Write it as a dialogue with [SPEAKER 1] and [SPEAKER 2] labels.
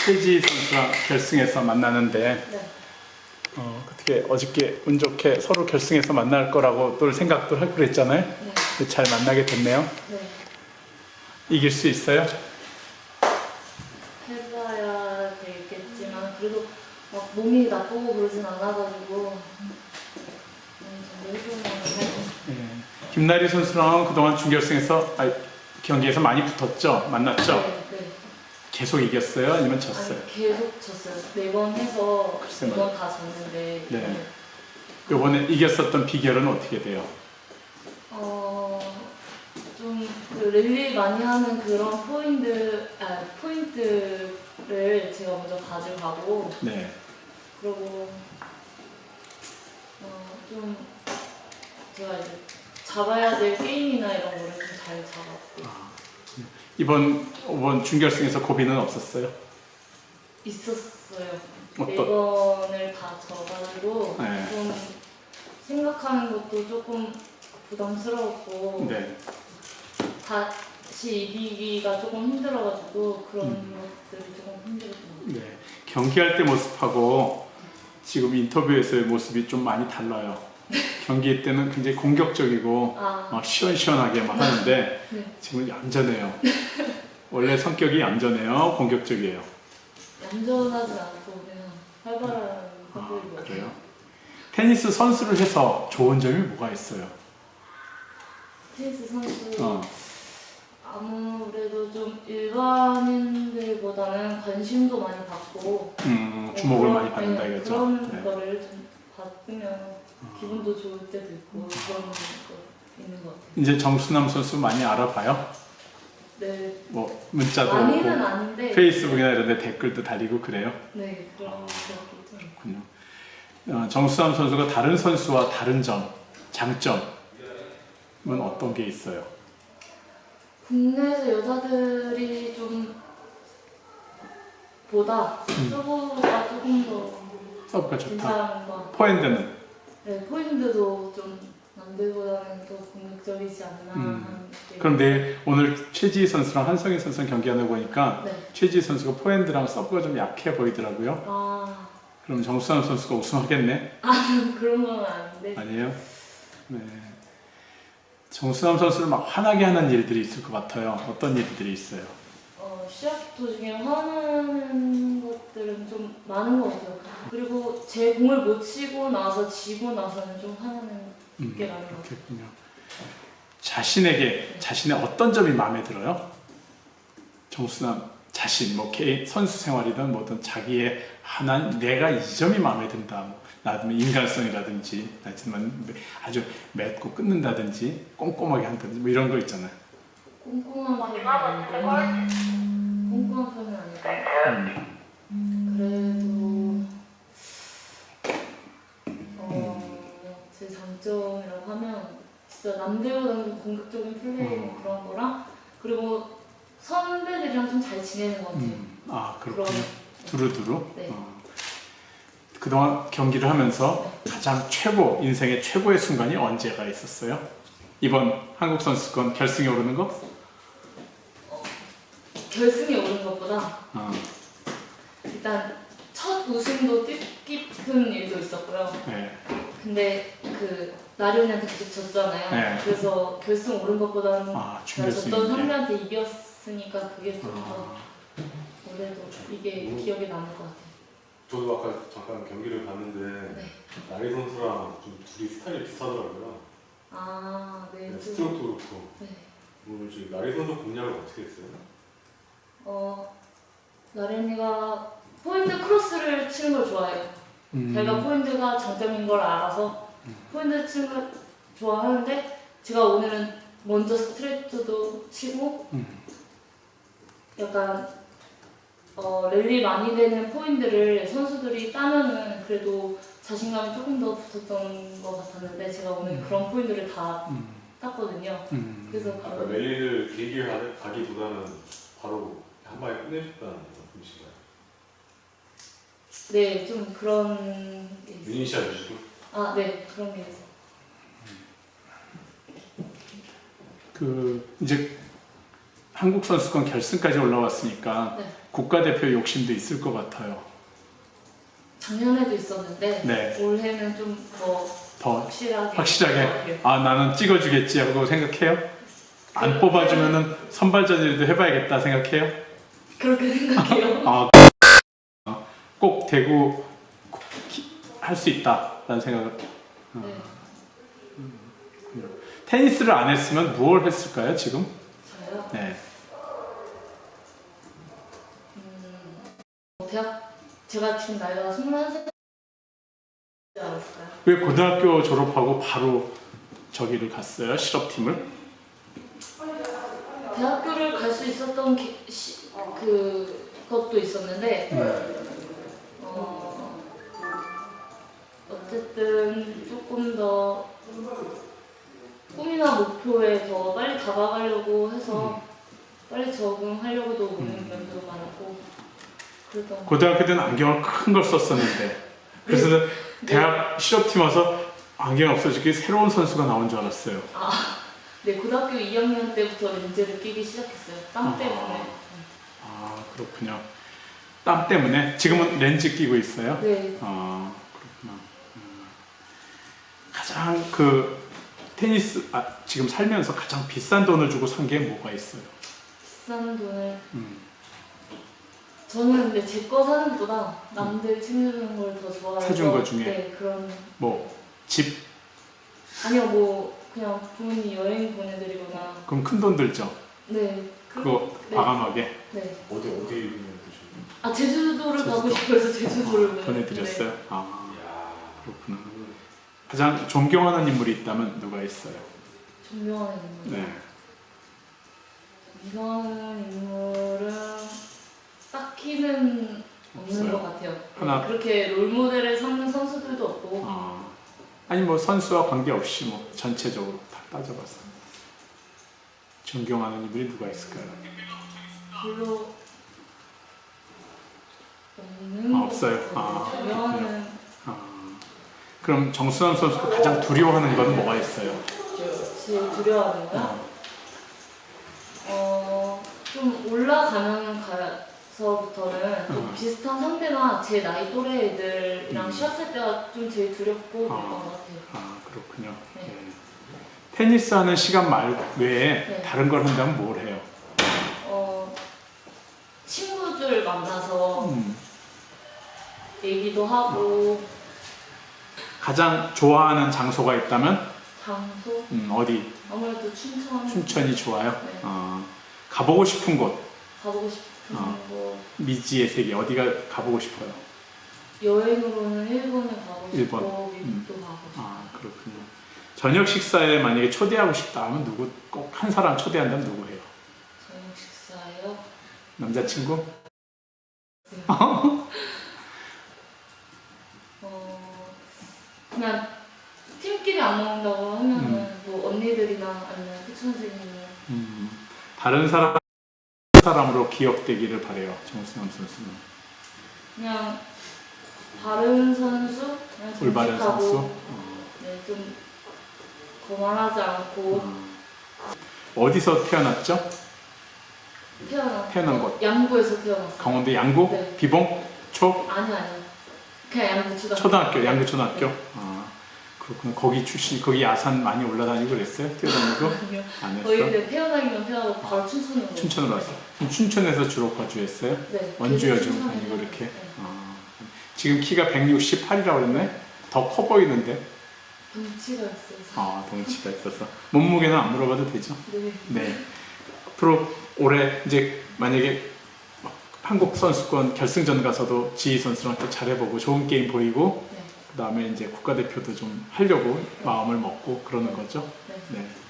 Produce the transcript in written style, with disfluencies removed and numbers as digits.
[SPEAKER 1] 최지희 선수랑 결승에서 만나는데
[SPEAKER 2] 네.
[SPEAKER 1] 어떻게 어저께 운 좋게 서로 결승에서 만날 거라고 또 생각도 하고 그랬잖아요.
[SPEAKER 2] 네.
[SPEAKER 1] 근데 잘 만나게 됐네요.
[SPEAKER 2] 네.
[SPEAKER 1] 이길 수 있어요?
[SPEAKER 2] 해봐야 되겠지만 그래도 막 몸이 나쁘고 그러진 않아가지고 정도 해보면
[SPEAKER 1] 예. 김나리 선수랑 그동안 준결승에서 경기에서 많이 붙었죠? 만났죠?
[SPEAKER 2] 네, 네.
[SPEAKER 1] 계속 이겼어요? 아니면 졌어요?
[SPEAKER 2] 아니, 계속 졌어요. 4번 해서
[SPEAKER 1] 글쎄
[SPEAKER 2] 2번 다 졌는데
[SPEAKER 1] 네. 이번에 이겼었던 비결은 어떻게 돼요?
[SPEAKER 2] 좀 그 랠리 많이 하는 그런 포인트를 제가 먼저 가져가고
[SPEAKER 1] 네.
[SPEAKER 2] 그리고 좀 제가 이제 잡아야 될 게임이나 이런 거를 좀 잘 잡았고
[SPEAKER 1] 이번 준결승에서 고비는 없었어요?
[SPEAKER 2] 있었어요.
[SPEAKER 1] 어떤?
[SPEAKER 2] 4번을 다 져가지고
[SPEAKER 1] 네.
[SPEAKER 2] 좀 생각하는 것도 조금 부담스러웠고
[SPEAKER 1] 네.
[SPEAKER 2] 다시 이기기가 조금 힘들어가지고 그런 것들이 조금 힘들었던 것 같아요.
[SPEAKER 1] 네. 경기할 때 모습하고 지금 인터뷰에서의 모습이 좀 많이 달라요. 경기 때는 굉장히 공격적이고 막 시원시원하게 막 하는데
[SPEAKER 2] 네.
[SPEAKER 1] 지금 얌전해요. 원래 성격이 얌전해요? 공격적이에요?
[SPEAKER 2] 얌전하진 않고 그냥 활발한 성격인 것 같아요.
[SPEAKER 1] 그래요? 테니스 선수를 해서 좋은 점이 뭐가 있어요?
[SPEAKER 2] 테니스 선수 아무래도 좀 일반인들보다는 관심도 많이 받고
[SPEAKER 1] 주목을
[SPEAKER 2] 그런,
[SPEAKER 1] 많이 받는다
[SPEAKER 2] 네,
[SPEAKER 1] 이거죠?
[SPEAKER 2] 그런
[SPEAKER 1] 네.
[SPEAKER 2] 거를 좀 받으면 기분도 좋을 때도 있고 그런 거 있는 것 같아요.
[SPEAKER 1] 이제 정수남 선수 많이 알아봐요?
[SPEAKER 2] 네.
[SPEAKER 1] 뭐 문자도
[SPEAKER 2] 많이는
[SPEAKER 1] 오고
[SPEAKER 2] 아닌데
[SPEAKER 1] 페이스북이나 이런 데 댓글도 달리고 그래요?
[SPEAKER 2] 네 그런 것도
[SPEAKER 1] 그렇군요. 정수남 선수가 다른 선수와 다른 점, 장점은 어떤 게 있어요?
[SPEAKER 2] 국내에서 여자들이 좀 보다 서브가 조금 더
[SPEAKER 1] 서브가 좋다.
[SPEAKER 2] 괜찮은 것 같아요.
[SPEAKER 1] 포핸드는?
[SPEAKER 2] 네, 포인트도 좀 남들보다는 더 공격적이지 않나 하는 게.
[SPEAKER 1] 그럼 오늘 최지희 선수랑 한성희 선수랑 경기하는 거 보니까
[SPEAKER 2] 네.
[SPEAKER 1] 최지희 선수가 포핸드랑 서브가 좀 약해 보이더라고요. 그럼 정수남 선수가 우승하겠네?
[SPEAKER 2] 그런 건 아닌데.
[SPEAKER 1] 아니에요? 네. 정수남 선수를 막 화나게 하는 일들이 있을 것 같아요. 어떤 일들이 있어요?
[SPEAKER 2] 시합 도중에 화나는 것들은 좀 많은 것 같아요. 그리고 제 공을 못 치고 나서 지고 나서는 좀 화나는 게 많은 것 같아요.
[SPEAKER 1] 그렇군요. 자신의 어떤 점이 마음에 들어요? 정수남 자신, 뭐 개인 선수 생활이든 뭐든 자기의 하나는 내가 이 점이 마음에 든다. 뭐, 나는 인간성이라든지, 하지만 아주 맺고 끊는다든지, 꼼꼼하게 한다든지 뭐 이런 거 있잖아요.
[SPEAKER 2] 꼼꼼한 편은 아닌데 꼼꼼한 편은 아닌데 그래도 제 장점이라고 하면 진짜 남들보다는 좀 공격적인 플레이 그런 거랑 그리고 선배들이랑 좀 잘 지내는 것 같아요.
[SPEAKER 1] 그렇군요. 두루두루.
[SPEAKER 2] 네.
[SPEAKER 1] 그동안 경기를 하면서 가장 인생의 최고의 순간이 언제가 있었어요? 이번 한국 선수권 결승에 오르는 거?
[SPEAKER 2] 결승에 오른 것보다 일단 첫 우승도 뜻깊은 일도 있었고요.
[SPEAKER 1] 네.
[SPEAKER 2] 근데 그 나련이한테 계속 졌잖아요.
[SPEAKER 1] 네.
[SPEAKER 2] 그래서 결승 오른 것보다는 제가
[SPEAKER 1] 준결승
[SPEAKER 2] 졌던
[SPEAKER 1] 이제.
[SPEAKER 2] 상대한테 이겼으니까 그게 좀 더 올해도 이게 기억에 남을 것 같아요.
[SPEAKER 3] 저도 아까 잠깐 경기를 봤는데
[SPEAKER 2] 네.
[SPEAKER 3] 나리 선수랑 좀 둘이 스타일이 비슷하더라고요.
[SPEAKER 2] 네.
[SPEAKER 3] 네, 스트로크도 그렇고.
[SPEAKER 2] 네.
[SPEAKER 3] 오늘 지금 나리 선수 공략을 어떻게 했어요?
[SPEAKER 2] 나련이가 포인트 크로스를 치는 걸 좋아해요. 제가 포인트가 장점인 걸 알아서 포인트 치는 걸 좋아하는데 제가 오늘은 먼저 스트레이트도 치고 약간 랠리 많이 되는 포인트를 선수들이 따면은 그래도 자신감이 조금 더 붙었던 것 같았는데 제가 오늘 그런 포인트를 다 땄거든요. 그래서
[SPEAKER 3] 아까 랠리를 길게 가기보다는 바로 한 방에 끝내셨다는 말씀이신가요?
[SPEAKER 2] 네, 좀 그런 게 있어요.
[SPEAKER 3] 미니샷 위주로?
[SPEAKER 2] 네, 그런 게 있어요.
[SPEAKER 1] 이제 한국 선수권 결승까지 올라왔으니까
[SPEAKER 2] 네.
[SPEAKER 1] 국가대표 욕심도 있을 것 같아요.
[SPEAKER 2] 작년에도 있었는데
[SPEAKER 1] 네.
[SPEAKER 2] 올해는 좀 더
[SPEAKER 1] 더
[SPEAKER 2] 확실하게
[SPEAKER 1] 확실하게 아 나는 찍어주겠지 하고 생각해요? 안 뽑아주면은 선발전이라도 해봐야겠다 생각해요?
[SPEAKER 2] 그렇게 생각해요.
[SPEAKER 1] 꼭 대구 할 수 있다라는 생각을.
[SPEAKER 2] 네.
[SPEAKER 1] 테니스를 안 했으면 무엇을 했을까요 지금?
[SPEAKER 2] 저요?
[SPEAKER 1] 네.
[SPEAKER 2] 대학 제가 지금 나이가 21살 않았을까요?
[SPEAKER 1] 왜 고등학교 졸업하고 바로 저기를 갔어요? 실업팀을?
[SPEAKER 2] 대학교를 갈 수 있었던 그것도 있었는데 어쨌든 조금 더 꿈이나 목표에 더 빨리 다가가려고 해서 빨리 적응하려고도 오는 면도 많았고 그랬던 것
[SPEAKER 1] 고등학교 때는 안경을 큰 걸 썼었는데 그래서 대학 실업팀 와서 안경 없어지기 새로운 선수가 나온 줄 알았어요.
[SPEAKER 2] 네, 고등학교 2학년 때부터 렌즈를 끼기 시작했어요. 땀 때문에.
[SPEAKER 1] 아 그렇군요. 땀 때문에 지금은 렌즈 끼고 있어요?
[SPEAKER 2] 네.
[SPEAKER 1] 아 그렇구나. 가장 그 테니스 지금 살면서 가장 비싼 돈을 주고 산 게 뭐가 있어요?
[SPEAKER 2] 비싼 돈을 저는 근데 제 거 사는 것보다 남들 챙겨주는 걸 더 좋아해서
[SPEAKER 1] 사준 거 중에?
[SPEAKER 2] 네, 그런
[SPEAKER 1] 뭐 집?
[SPEAKER 2] 아니요 뭐 그냥 부모님 여행 보내드리거나
[SPEAKER 1] 그럼 큰 돈 들죠?
[SPEAKER 2] 네
[SPEAKER 1] 그거
[SPEAKER 2] 네.
[SPEAKER 1] 과감하게
[SPEAKER 2] 네.
[SPEAKER 3] 어디 드시는?
[SPEAKER 2] 제주도를 가고 싶어서 제주도를
[SPEAKER 1] 보내드렸어요?
[SPEAKER 2] 네.
[SPEAKER 1] 아
[SPEAKER 3] 이야.
[SPEAKER 1] 그렇구나. 가장 존경하는 인물이 있다면 누가 있어요?
[SPEAKER 2] 존경하는 인물
[SPEAKER 1] 네.
[SPEAKER 2] 존경하는 인물은 딱히는 없는
[SPEAKER 1] 없어요?
[SPEAKER 2] 것 같아요.
[SPEAKER 1] 하나.
[SPEAKER 2] 네, 그렇게 롤모델을 삼는 선수들도 없고
[SPEAKER 1] 아니 뭐 선수와 관계없이 뭐 전체적으로 다 따져봐서 존경하는 인물이 누가 있을까요?
[SPEAKER 2] 별로 없는 것
[SPEAKER 1] 없어요?
[SPEAKER 2] 같아요. 존경하는
[SPEAKER 1] 그럼 정수남 선수가 가장 두려워하는 건 뭐가 있어요?
[SPEAKER 2] 제일 두려워하는 거요? 좀 올라가면 가서부터는 좀 비슷한 상대나 제 나이 또래 애들이랑 시합할 때가 좀 제일 두렵고 그랬던 것 같아요.
[SPEAKER 1] 아 그렇군요.
[SPEAKER 2] 네.
[SPEAKER 1] 네. 테니스 하는 시간 외에
[SPEAKER 2] 네.
[SPEAKER 1] 다른 걸 한다면 뭘 해요?
[SPEAKER 2] 친구들 만나서
[SPEAKER 1] 음.
[SPEAKER 2] 얘기도 하고
[SPEAKER 1] 가장 좋아하는 장소가 있다면
[SPEAKER 2] 장소
[SPEAKER 1] 어디?
[SPEAKER 2] 아무래도 춘천
[SPEAKER 1] 춘천이 좋아요?
[SPEAKER 2] 네.
[SPEAKER 1] 가보고 싶은 곳
[SPEAKER 2] 가보고 싶은 거
[SPEAKER 1] 미지의 세계 어디가 가보고 싶어요?
[SPEAKER 2] 여행으로는 일본을 가고
[SPEAKER 1] 일본.
[SPEAKER 2] 싶고 미국도 가고 싶고
[SPEAKER 1] 그렇군요. 저녁 식사에 만약에 초대하고 싶다 하면 누구 꼭 한 사람 초대한다면 누구 해요?
[SPEAKER 2] 저녁 식사요?
[SPEAKER 1] 남자친구?
[SPEAKER 2] 그냥 팀끼리 안 먹는다고 하면은 뭐 언니들이나 아니면 희춘 선생님이랑
[SPEAKER 1] 다른 사람으로 기억되기를 바래요. 정수남 선수는.
[SPEAKER 2] 그냥 바른 선수, 그냥
[SPEAKER 1] 올바른
[SPEAKER 2] 정직하고,
[SPEAKER 1] 선수.
[SPEAKER 2] 네, 좀 거만하지 않고
[SPEAKER 1] 어디서 태어났죠?
[SPEAKER 2] 태어난
[SPEAKER 1] 곳.
[SPEAKER 2] 양구에서 태어났어요.
[SPEAKER 1] 강원도 양구?
[SPEAKER 2] 네.
[SPEAKER 1] 비봉?
[SPEAKER 2] 아니 그냥 양구
[SPEAKER 1] 초등학교, 양구 초등학교?
[SPEAKER 2] 네.
[SPEAKER 1] 그렇구나. 거기 출신, 거기 야산 많이 올라다니고 그랬어요? 뛰어다니고?
[SPEAKER 2] 아니요.
[SPEAKER 1] 안 했어?
[SPEAKER 2] 거의 근데 태어나기만 태어나고 바로 춘천으로
[SPEAKER 1] 춘천으로 왔어. 그럼 춘천에서 주로 거주했어요?
[SPEAKER 2] 네.
[SPEAKER 1] 원주여
[SPEAKER 2] 계속
[SPEAKER 1] 좀
[SPEAKER 2] 춘천에.
[SPEAKER 1] 아니고 이렇게?
[SPEAKER 2] 네.
[SPEAKER 1] 지금 키가 168이라고 그랬네? 더 커 보이는데?
[SPEAKER 2] 덩치가 있어서.
[SPEAKER 1] 덩치가 있어서. 몸무게는 안 물어봐도 되죠?
[SPEAKER 2] 네.
[SPEAKER 1] 네. 앞으로 올해 이제 만약에 한국 선수권 결승전 가서도 지희 선수랑 또 잘해보고 좋은 게임 보이고
[SPEAKER 2] 네.
[SPEAKER 1] 그 다음에 이제 국가대표도 좀 하려고 마음을 먹고 그러는 거죠.
[SPEAKER 2] 네.
[SPEAKER 1] 네.